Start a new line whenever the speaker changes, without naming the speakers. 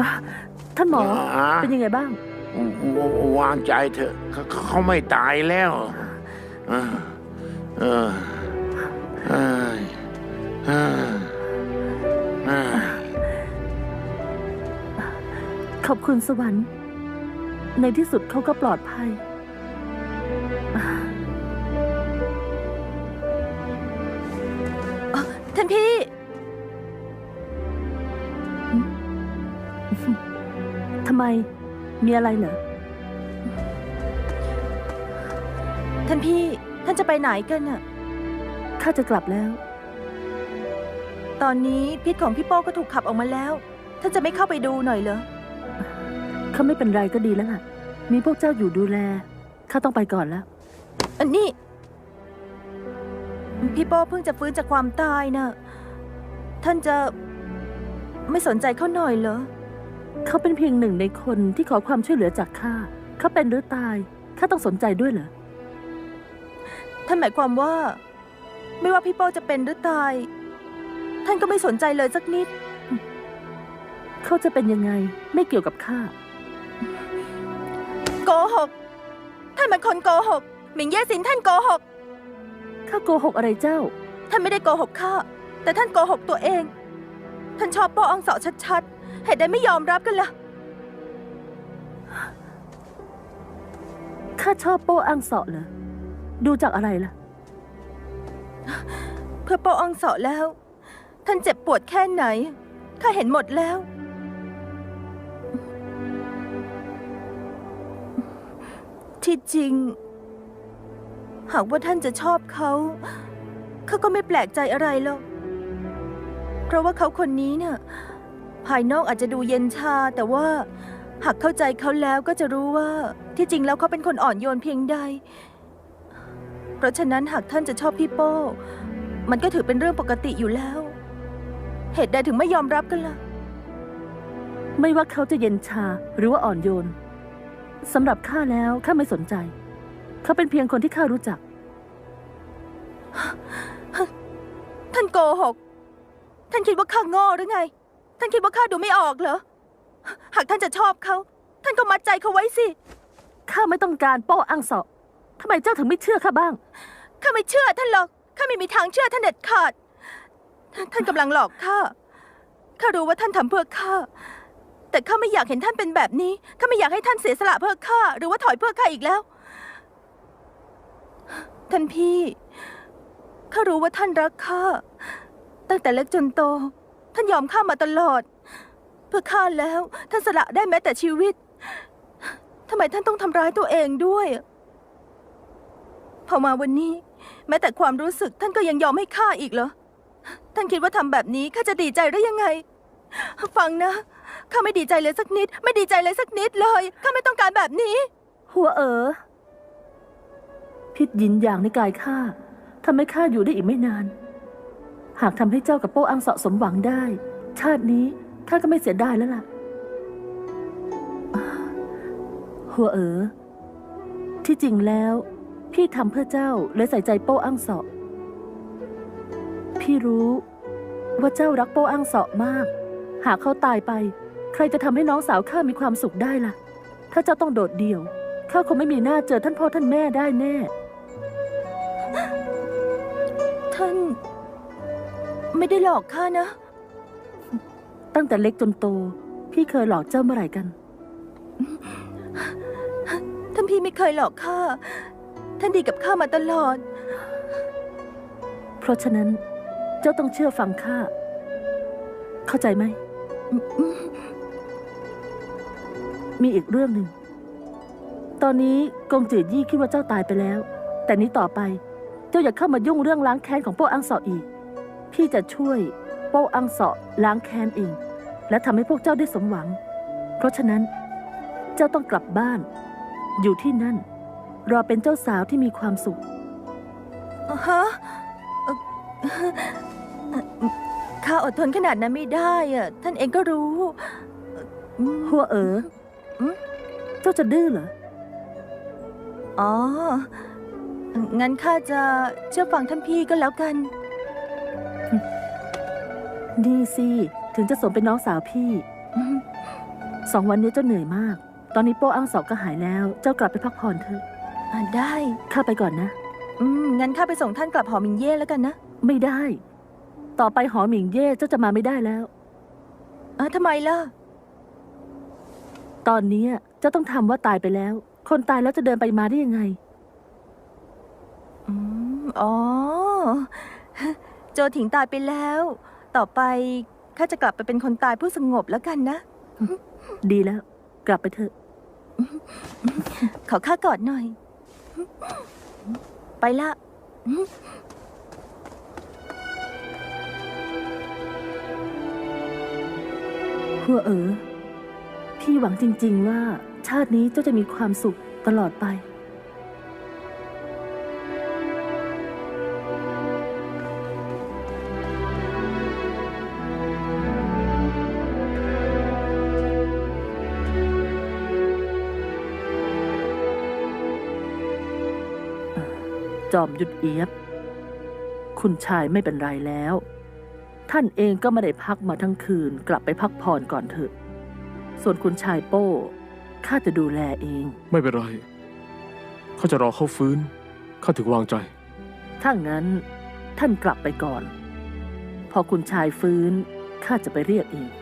ท่านหมอเป็นยังไงบ้าง
วางใจเถอะเขาไม่ตายแล้ว
ขอบคุณสวรรค์ในที่สุดเขาก็ปลอดภัย
ท่านพี่
ทำไมมีอะไรเหรอ
ท่านพี่ท่านจะไปไหนกันน่ะ
ข้าจะกลับแล้ว
ตอนนี้พิษของพี่โป้ก็ถูกขับออกมาแล้วท่านจะไม่เข้าไปดูหน่อยเหรอ
เขาไม่เป็นไรก็ดีแล้วล่ะมีพวกเจ้าอยู่ดูแลข้าต้องไปก่อนแล้ว
อันนี้พี่โป้เพิ่งจะฟื้นจากความตายน่ะท่านจะไม่สนใจเขาหน่อยเหรอ
เขาเป็นเพียงหนึ่งในคนที่ขอความช่วยเหลือจากข้าเขาเป็นหรือตายข้าต้องสนใจด้วยเหรอ
ท่านหมายความว่าไม่ว่าพี่โป้จะเป็นหรือตายท่านก็ไม่สนใจเลยสักนิด
เขาจะเป็นยังไงไม่เกี่ยวกับข้า
โกหกท่านเป็นคนโกหกหมิงเย่ซินท่านโกหก
ข้าโกหกอะไรเจ้า
ท่านไม่ได้โกหกข้าแต่ท่านโกหกตัวเองท่านชอบโป้อองเสาชัดๆเหตุใดไม่ยอมรับกันล่ะ
ข้าชอบโป้อังเสาะเหรอดูจากอะไรล่ะ
เพื่อโป้อองเสาแล้วท่านเจ็บปวดแค่ไหนข้าเห็นหมดแล้วที่จริงหากว่าท่านจะชอบเขาก็ไม่แปลกใจอะไรหรอกเพราะว่าเขาคนนี้เนี่ยภายนอกอาจจะดูเย็นชาแต่ว่าหากเข้าใจเขาแล้วก็จะรู้ว่าที่จริงแล้วเขาเป็นคนอ่อนโยนเพียงใดเพราะฉะนั้นหากท่านจะชอบพี่โป้มันก็ถือเป็นเรื่องปกติอยู่แล้วเหตุใดถึงไม่ยอมรับกันล่ะ
ไม่ว่าเขาจะเย็นชาหรือว่าอ่อนโยนสำหรับข้าแล้วข้าไม่สนใจเขาเป็นเพียงคนที่ข้ารู้จัก
ท่านโกหกท่านคิดว่าข้าโง่หรือไงท่านคิดว่าข้าดูไม่ออกเหรอหากท่านจะชอบเขาท่านก็มัดใจเขาไว้สิ
ข้าไม่ต้องการโป้อังเสาะทำไมเจ้าถึงไม่เชื่อข้าบ้าง
ข้าไม่เชื่อท่านหรอกข้าไม่มีทางเชื่อท่านเด็ดขาดท่านกำลังหลอกข้ารู้ว่าท่านทำเพื่อข้าแต่ข้าไม่อยากเห็นท่านเป็นแบบนี้ข้าไม่อยากให้ท่านเสียสละเพื่อข้าหรือว่าถอยเพื่อข้าอีกแล้วท่านพี่ข้ารู้ว่าท่านรักข้าตั้งแต่เล็กจนโตท่านยอมข้ามาตลอดเพื่อข้าแล้วท่านสละได้แม้แต่ชีวิตทำไมท่านต้องทำร้ายตัวเองด้วยพอมาวันนี้แม้แต่ความรู้สึกท่านก็ยังยอมให้ข้าอีกเหรอท่านคิดว่าทำแบบนี้ข้าจะดีใจได้ยังไงฟังนะข้าไม่ดีใจเลยสักนิดไม่ดีใจเลยสักนิดเลยข้าไม่ต้องการแบบนี้
หัวพิษยินอย่างในกายข้าทำให้ข้าอยู่ได้อีกไม่นานหากทำให้เจ้ากับโป้อังเสาะสมหวังได้ชาตินี้ข้าก็ไม่เสียดายแล้วล่ะหัวที่จริงแล้วพี่ทำเพื่อเจ้าเลยใส่ใจโป้อังเสาะพี่รู้ว่าเจ้ารักโป้อังเสาะมากหากเขาตายไปใครจะทำให้น้องสาวข้ามีความสุขได้ล่ะถ้าเจ้าต้องโดดเดี่ยวข้าคงไม่มีหน้าเจอท่านพ่อท่านแม่ได้แน่
ท่านไม่ได้หลอกข้านะ
ตั้งแต่เล็กจนโตพี่เคยหลอกเจ้าเมื่อไหร่กัน
ท่านพี่ไม่เคยหลอกข้าท่านดีกับข้ามาตลอด
เพราะฉะนั้นเจ้าต้องเชื่อฟังข้าเข้าใจไหมมีอีกเรื่องหนึ่งตอนนี้กงจือยี่คิดว่าเจ้าตายไปแล้วแต่นี้ต่อไปเจ้าอย่าเข้ามายุ่งเรื่องล้างแค้นของโป้อังเสาะอีกพี่จะช่วยโป้อังเสาะล้างแค้นเองและทำให้พวกเจ้าได้สมหวังเพราะฉะนั้นเจ้าต้องกลับบ้านอยู่ที่นั่นรอเป็นเจ้าสาวที่มีความสุข
ฮะข้าอดทนขนาดนั้นไม่ได้อะท่านเองก็รู้
หัวเจ้าจะดื้อเหรอ
อ๋องั้นข้าจะเชื่อฟังท่านพี่ก็แล้วกัน
นี่สิถึงจะสมเป็นน้องสาวพี่ 2 วันนี้เจ้าเหนื่อยมาก ตอนนี้โป้อ้างสอบก็หายแล้ว เจ้ากลับไปพักผ่อนเถอะ
ได้
ข้าไปก่อนนะ
งั้นข้าไปส่งท่านกลับหอมิงเย่แล้วกันนะ
ไม่ได้ ต่อไปหอหมิงเย่เจ้าจะมาไม่ได้แล้ว
ทำไมล่ะ
ตอนนี้เจ้าต้องทำว่าตายไปแล้ว คนตายแล้วจะเดินไปมาได้ยังไง
อ๋อ โจถิงตายไปแล้ว ต่อไปข้าจะกลับไปเป็นคนตายผู้สงบแล้วกันนะ
ดีแล้ว กลับไปเถอะ
ขอข้ากอดหน่อย ไปละ
หัวพี่หวังจริงๆว่าชาตินี้เจ้าจะมีความสุขตลอดไป จอมยุทธเอียบ คุณชายไม่เป็นไรแล้ว ท่านเองก็ไม่ได้พักมาทั้งคืน กลับไปพักผ่อนก่อนเถอะ ส่วนคุณชายโป้ข้าจะดูแลเอง
ไม่เป็นไรเขาจะรอเขาฟื้นข้าถึงวางใจ
ถ้างั้นท่านกลับไปก่อน พอคุณชายฟื้นข้าจะไปเรียกเอง